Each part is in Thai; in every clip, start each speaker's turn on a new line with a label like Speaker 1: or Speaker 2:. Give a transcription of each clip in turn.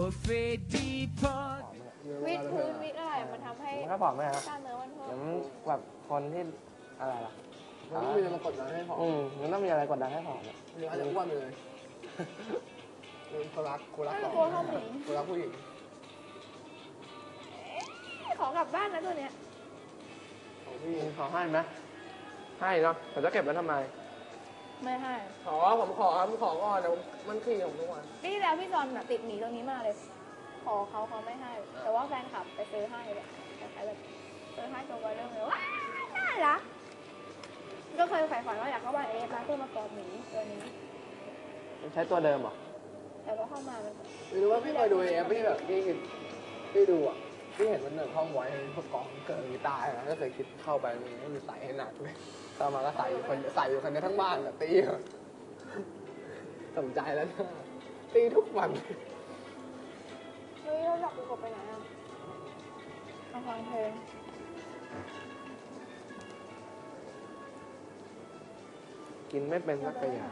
Speaker 1: วิดพื้นวิดอะไรมันทำให้
Speaker 2: มันก็ผอมไหมครับ
Speaker 1: กล้ามเนื้อมันเพิ่ม
Speaker 2: เดี๋ยวมันแบบคนที่อะไรล่ะ
Speaker 3: มันต้องมีอะไรมากดดันให้ผอม
Speaker 2: มันต้องมีอะไรกดดันให้ผอม
Speaker 3: หรืออาจจะอ้วนไปเลยคนรักต่อคนรักผู้หญิง
Speaker 1: ขอกลับบ้านนะตัวเนี้ย
Speaker 3: ของพี่
Speaker 2: ขอให้ไหมให้เนาะแต่จะเก็บไว้ทำไม
Speaker 1: ไม่ให้
Speaker 3: ผมขอก่อนเดี๋ยวมันขี้ของทุกวัน
Speaker 1: ปีที่แล้วพี่จอนน่ะติดหนีตรงนี้มากเลย ขอเขาไม่ให้ แต่ว่าแฟนคลับไปซื้อให้แบบคล้ายๆแบบซื้อให้ตัวก็เรื่องเลยว้าวน่ารักก็เคยใฝ่ฝันว่าอยากเข้าบ้านเอฟนะเพื่อมากอดหมีตัวนี้
Speaker 2: ใช้ตัวเดิมเหรอ
Speaker 1: แต่ว่าเข้ามามัน
Speaker 3: หรือว่าพี่เคยดูเอฟพี่แบบพี่ดูอ่ะพี่เห็นมันห้องไว้พวกกองเกิดกีตาร์นะก็เคยคิดเข้าไปมันมีใส่ให้หนักเลยต่อมาก็ใส่อยู่คนนี้ทั้งบ้านอ่ะตีสนใจแล้วนะตีทุกวัน
Speaker 1: เฮ้ยเราอยากดูกบไปไหนอ่ะมาฟังเพลง
Speaker 2: กินไม่เป็นสักอย่าง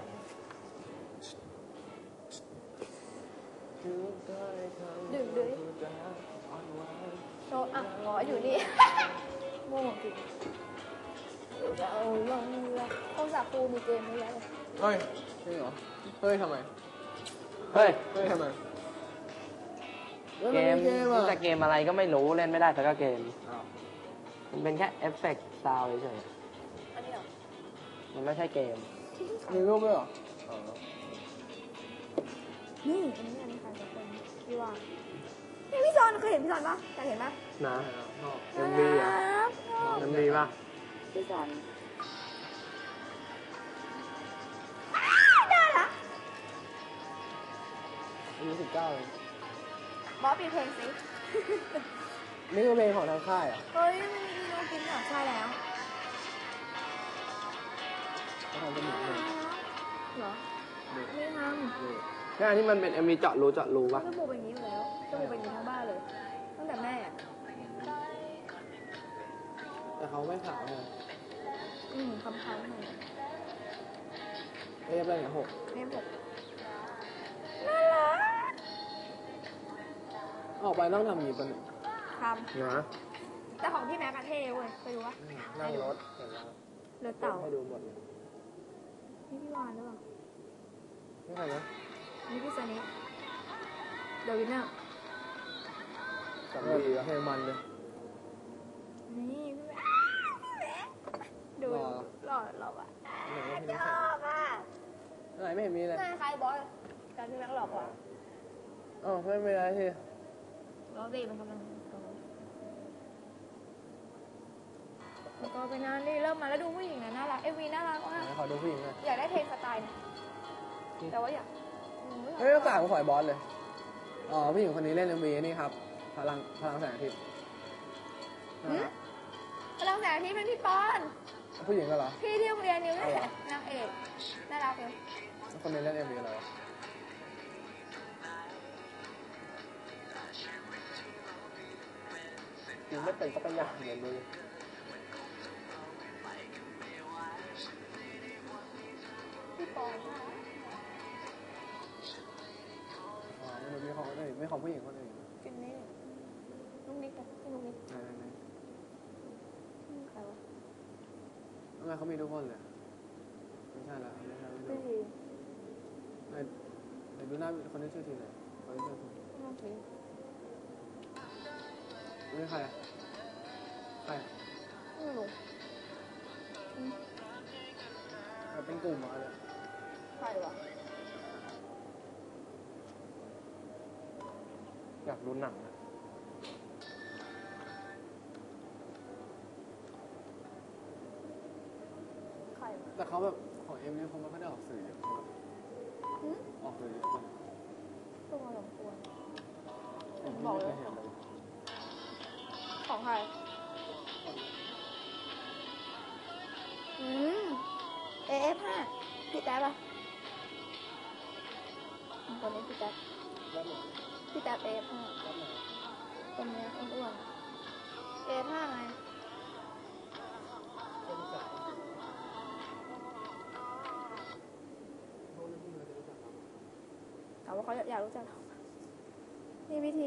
Speaker 1: ดื่มด้วยโชว์อ่ะหงออยู่นี่โง่จริงจะเอาลงละโทรศัพท์ปูมีเกมนี้แล้ว
Speaker 3: เฮ้ยจริงเหรอเฮ้ยทำไม
Speaker 2: เฮ้ย
Speaker 3: ทำไม
Speaker 2: เกมแต่เกมอะไรก็ไม่รู้เล่นไม่ได้สักเกม
Speaker 3: อ้าว
Speaker 2: มันเป็นแค่เอฟเฟกต์ซาวด์เฉย
Speaker 1: อันนี้เหรอ
Speaker 2: ๆมันไม่ใช่เกม
Speaker 3: มีรูปด้วยเหรอ
Speaker 1: นี่อันนี้ใครจะเป็นพี่ว่านี่พี่จอนเคยเห็นพี่จอนปะเคยเห็นปะ
Speaker 2: นะเอ็มวีอ่ะเอ็มวีป่ะ
Speaker 1: พี่จอนได้ละ
Speaker 3: อายุ19เลย
Speaker 1: บอสปิดเพลงสิ
Speaker 3: นี่คือเพลงของทางค่ายอ่ะ
Speaker 1: เฮ้ยมันมีโนกินเหรอใช่แล้ว
Speaker 3: เขาทำเป็นหนังเลย
Speaker 1: เหรอไม่ทำ
Speaker 2: แค่ที่มันเป็นเอ็มวีเจาะรูป่ะ
Speaker 1: จมูกเป็นอย่างนี้อยู่แล้วจมูกเป็นอย่างนี้ทั้งบ้านเลย ตั้งแต่แม่อะ
Speaker 3: แต่เขาไม่ขาวเลย
Speaker 1: คำๆหน่อย
Speaker 3: เอ๊ะอะไรเนี่ย6
Speaker 1: เนมผมน่ารัก
Speaker 3: ออกไปต้องทำอย่างนี้ปะเนี่ย
Speaker 1: ท
Speaker 2: นะ
Speaker 1: ำแต่ของพี่แม็กกะเท่เว้ยไปดูวะ
Speaker 3: นั่งรถเห็นแล้ว
Speaker 1: เรือเต่า
Speaker 3: ให้ดูหมดเลย
Speaker 1: นี่พี่วานหรือเปล่า
Speaker 3: ไม่ใช่นะ
Speaker 1: นี่พี่สนิทเดวินเนอร์
Speaker 3: สำลีเพลงมันเลย
Speaker 1: นี่พี่แม็กดู
Speaker 3: หล่อ
Speaker 1: หล่อหล่ออ่ะ
Speaker 3: ไหนว่าเพลง
Speaker 1: ช
Speaker 3: นี้ใคร
Speaker 1: อบอ่ะ
Speaker 3: ไหนไม่เห็นมีเลย
Speaker 1: หน้าคล้ายบอสแต่พี่แม็กหล่อกว่า
Speaker 3: อ๋อไม่เป็นไรที่
Speaker 1: เราดีมันกำลังโตแล้วก็ไปนานนี่เริ่มมาแล้วดูผู้หญิงนะน่ารักเอวีน่ารักมาก
Speaker 3: ไหนขอดูผู้หญิงหน่อย
Speaker 1: อยากได้เพลงสไตล์เนี่ยแต่ว่าอยาก
Speaker 3: เฮ้ยต้องสั่งขอยบอสเลยอ๋อผู้หญิงคนนี้เล่น MV นี่ครับพลังแสงอาทิตย์นะครับ
Speaker 1: พลังแสงอาทิตย์เป็นพี่ปอน
Speaker 3: ผู้หญิงก็เหรอ
Speaker 1: พี่ที่โรงเรียนนิ้วนี่แหละนางเอกน่ารักเลย
Speaker 3: คนนี้เล่น MV อะไรวะ
Speaker 2: กินไม่เป็นสักอย่างเลยดู
Speaker 1: พี่ปอน
Speaker 3: อ๋อไม่รู้มีของคนอื่นไม่ของผู้หญิงคนอื่น
Speaker 1: กินนี่ลูกนิกอะพี่ลูกนิก
Speaker 3: ไหน
Speaker 1: ใครวะ
Speaker 3: ทำไมเขามีทุกคนเลยไม่ใช่ละไม่ใช่
Speaker 1: พี่ที
Speaker 3: ไหนดูหน้าคนที่ชื่อทีไหนคนที่ชื่อที
Speaker 1: น้องที
Speaker 3: นี่ใครใคร
Speaker 1: ไม่รู้
Speaker 3: เป็นกลุ่มมาเลย
Speaker 1: ใครวะ
Speaker 2: อยากดูหนังอะ
Speaker 1: ใครวะ
Speaker 3: แต่เขาแบบของเอ็มนี่เขาไม่ค่อยได้ออกสื่อเยอะออกสื่อเยอะกว่า
Speaker 1: ตัวสมควร
Speaker 3: ผม
Speaker 1: บอก
Speaker 3: ไม่
Speaker 1: เล
Speaker 3: เค
Speaker 1: ย
Speaker 3: ยเห็นเลย
Speaker 1: ของใครAF5 พี่แต๊บอะคนนี้พี่แต๊บ
Speaker 3: แล้วหนู
Speaker 1: พี่แต๊บ AF5
Speaker 3: แล้วหนู
Speaker 1: คนนี้อ้วนๆ AF5 ไง
Speaker 3: เป็นสายเขาเรียกพี่เขาจะรู้จักเรา
Speaker 1: ถามว่าเขาอยากรู้จักเรานี่วิธี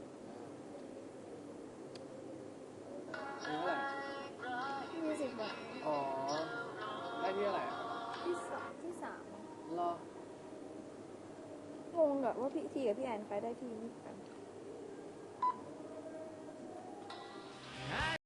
Speaker 3: ซื้อเท่าไหร่
Speaker 1: 20 บาท
Speaker 3: อ๋อ ได้ที่เท่าไหร่อะ
Speaker 1: ที่สาม
Speaker 3: รอ
Speaker 1: งงกับว่าพี่ทีกับพี่แอนไปได้ที่20 กัน